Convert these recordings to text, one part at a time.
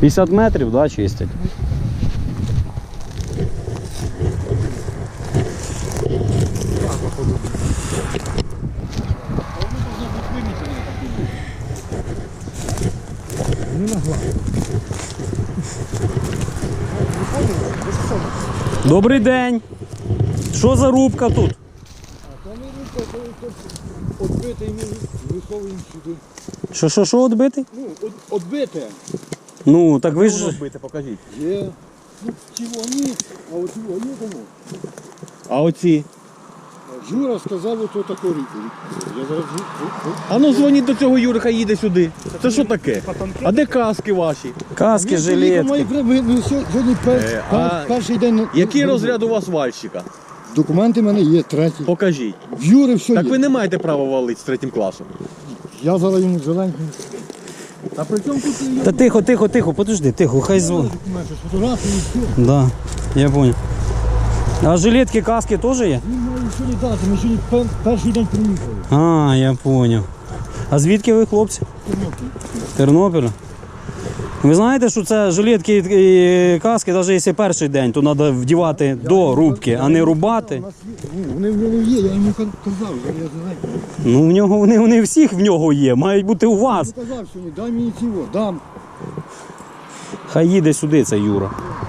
50 метрів, да, чистять? Добрий день! Що за рубка тут? Там і рубка, то відбитий, ми виховуємо сюди. Що відбитий? Ну, відбите. Ну, так ви ж... Відбити, покажіть. Є. Ну, ці вони, а от його є тому. А оці? Юра сказав, ото таку ріку. Я зараз... А ну дзвоніть до цього Юрика, їде сюди. Це що таке? А де каски ваші? Каски, жилетки. Сьогодні перший день... Який розряд у вас вальщика? Документи в мене є, третій. Покажіть. В Юри все Так є. ви не маєте права валити з 3 класом. Я зараз йому зеленький. А при чому тут... Та тихо, подожди, тихо, хай звон. Документи, фотографії і все. Да, я понял. А жилетки, каски теж є? Він має сьогодні дати, ми сьогодні перший день приїхали. А, я понял. А звідки ви, хлопці? Тернопіль. Ви знаєте, що це жилетки і каски, навіть якщо перший день, то треба вдівати до рубки, а не рубати. У нас є, ну, вони в нього є, я йому казав, я зеленький. Ну, в нього, вони всіх в нього є, мають бути у вас. Я казав сьогодні, дай мені цього, дам. Хай їде сюди, це Юра.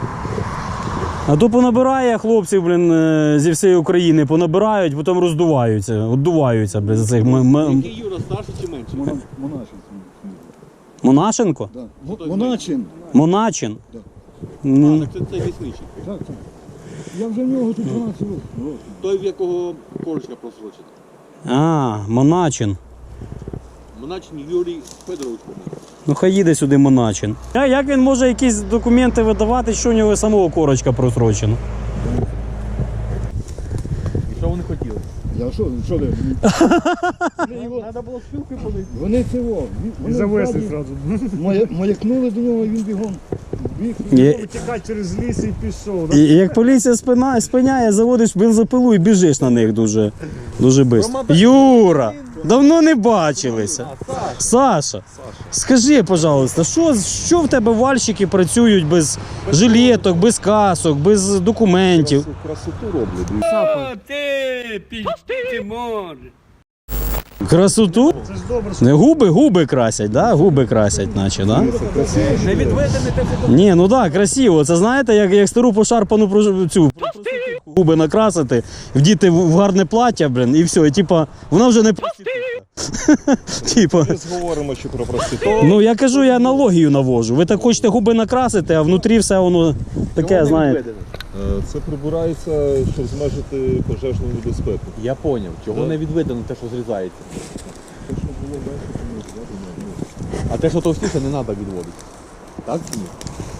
А то понабирає хлопців, блін, зі всієї України, понабирають, потім роздуваються, віддуваються, блін, за цих... Який Юра, старший чи менший? Моначин. Монашенко? Да. Моначин. Моначин? Да. Ну, Так це лісничий. Так. Я вже в нього тут 12 років. Той, в якого корочка просрочена. а, Моначин. Моначин Юрій Федорович, по-моєму. Ну хай їде сюди Моначин. А як він може якісь документи видавати, що у нього самого корочка просрочена? І що вони хотіли? Я що де? Треба було спілки подати. Вони цього. Вони завезли одразу. Маякнули до нього, він бігом. Тікати через ліс і пішов. І як поліція спиняє, заводиш бензопилу і біжиш на них дуже швидко. Юра, давно не бачилися. Саша, скажи, пожалуйста, що в тебе вальщики працюють без жилеток, без касок, без документів? Красоту роблять. Красоту? Це ж добре, Не губи красять, да? Губи красять, наче, да? Не відведений те фото. Ні, ну так, красиво. Це знаєте, як стару пошарпану цю губи накрасити, вдіти в гарне плаття, блін, і все. І типа, вона вже не проститутка. Типа. Ми говоримо ще про проститутку. Ну я кажу, я аналогію навожу. Ви так хочете губи накрасити, а внутрі все воно таке, знаєте. Це прибирається, щоб зменшити пожежну небезпеку. Я зрозумів, чого не відведено те, що зрізається. Те, що було менше, то не зняти. А те, що товстіше, не треба відводити. Так чи ні?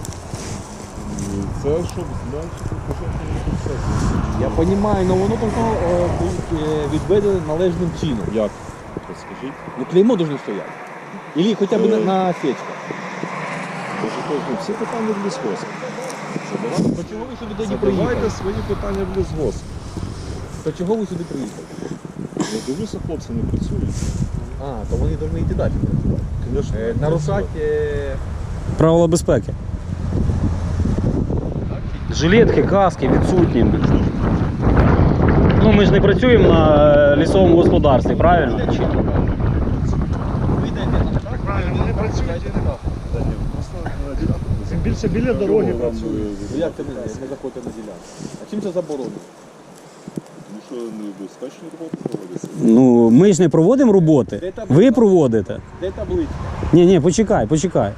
Це щоб зменшити пожежну небезпеку. Я розумію, але воно должно бути відведено належним чином. Як? Розкажіть. Ну клеймо должно стояти. Или хоча б на сечках. Всі питання в лісгосп. То чого ви сюди тоді приїхали? Задавайте свої питання в лісгосп. То чого ви сюди приїхали? Я дивлюся, хлопці не працюють. А, то вони повинні йти далі. Звісно, Нарушати... Правила безпеки. Жилетки, каски відсутні. Ну ми ж не працюємо на лісовому господарстві, правильно? правильно, вони працюють і нема. Тим більше біля дороги працюють. Як це не заходите на ділянку? А чим це заборонено? Тому що небезпечні роботи проводяться. Ну ми ж не проводимо роботи. Ви проводите. Де таблиця? Ні, почекай.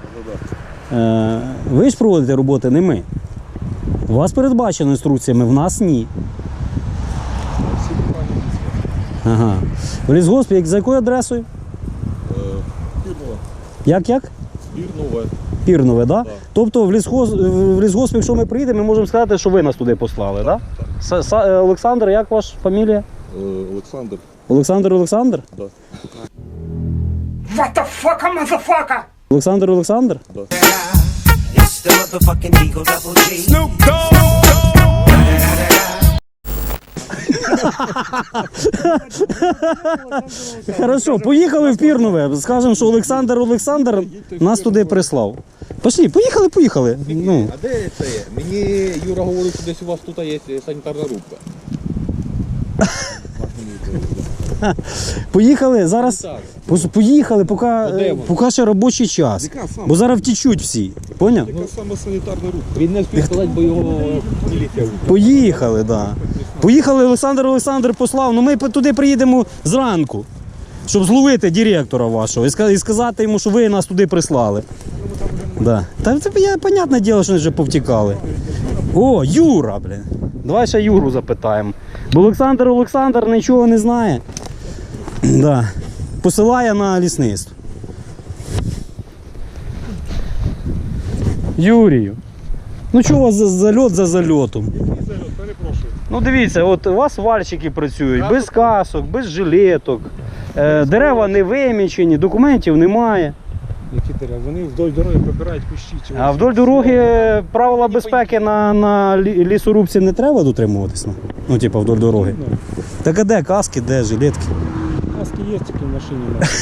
Ви ж проводите роботи, не ми. У вас передбачено інструкціями, в нас ні. Всі питання лісгосп. Ага. В лісгоспі, за якою адресою? Пірнове. Як? Пірнове. Пірнове, да? Так. Тобто в лісгосп, якщо ми приїдемо, ми можемо сказати, що ви нас туди послали, так? Да? Олександр, як ваша фамілія? Олександр. Олександр? Да. What the fuck, motherfucker? Олександр? Да. It's the motherfucking Eagle Double G. Snoop Хорошо, поїхали в Пірнове. Скажемо, що Олександр нас туди прислав. Пошли, поїхали. Ну. А де це є? Мені Юра говорив, що десь у вас тут є санітарна рубка. Поїхали, зараз. Так. Поїхали, де вони? поки ще робочий час. Яка саме? Бо зараз втічуть всі. Поняв? Яка саме санітарна рубка? Він не встиг сказати, бо його міліція. Поїхали, так. Да. Поїхали, Олександр послав, ну ми туди приїдемо зранку, щоб зловити директора вашого і сказати йому, що ви нас туди прислали. Да. Та це понятне діло, що вони вже повтікали. О, Юра, блін. Давай ще Юру запитаємо. Бо Олександр нічого не знає. Да. Посилає на лісництво. Юрію. Ну чого у вас за зальот за зальотом? Перепрошую. Ну дивіться, от у вас вальщики працюють без касок, без жилеток, дерева не вимічені, документів немає. Які дерева? Вони вдоль дороги прибирають кущі. А вдоль дороги правила безпеки на лісорубці не треба дотримуватися? Ну, типу, вдоль дороги. Так а де каски, де жилетки? Маски є тільки в машині.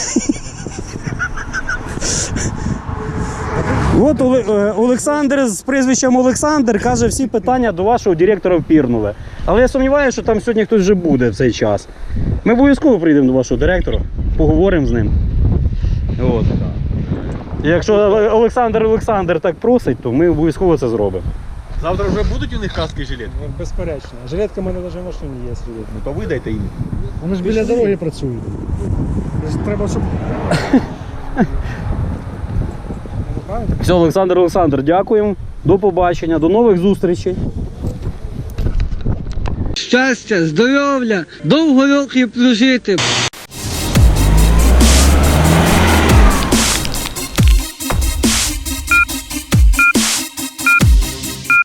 От Олександр з прізвищем Олександр каже, всі питання до вашого директора впірнули. Але я сумніваюся, що там сьогодні хтось вже буде в цей час. Ми обов'язково прийдемо до вашого директора, поговоримо з ним. От. І якщо Олександр так просить, то ми обов'язково це зробимо. Завтра вже будуть у них каски і жилет? Безперечно. Жилетка в мене навіть в машині є. Ну то видайте їм. Вони ж біля дороги працюють. Треба, щоб... Все, Олександр, дякуємо. До побачення, до нових зустрічей. Щастя, здоров'я, довго років прожити.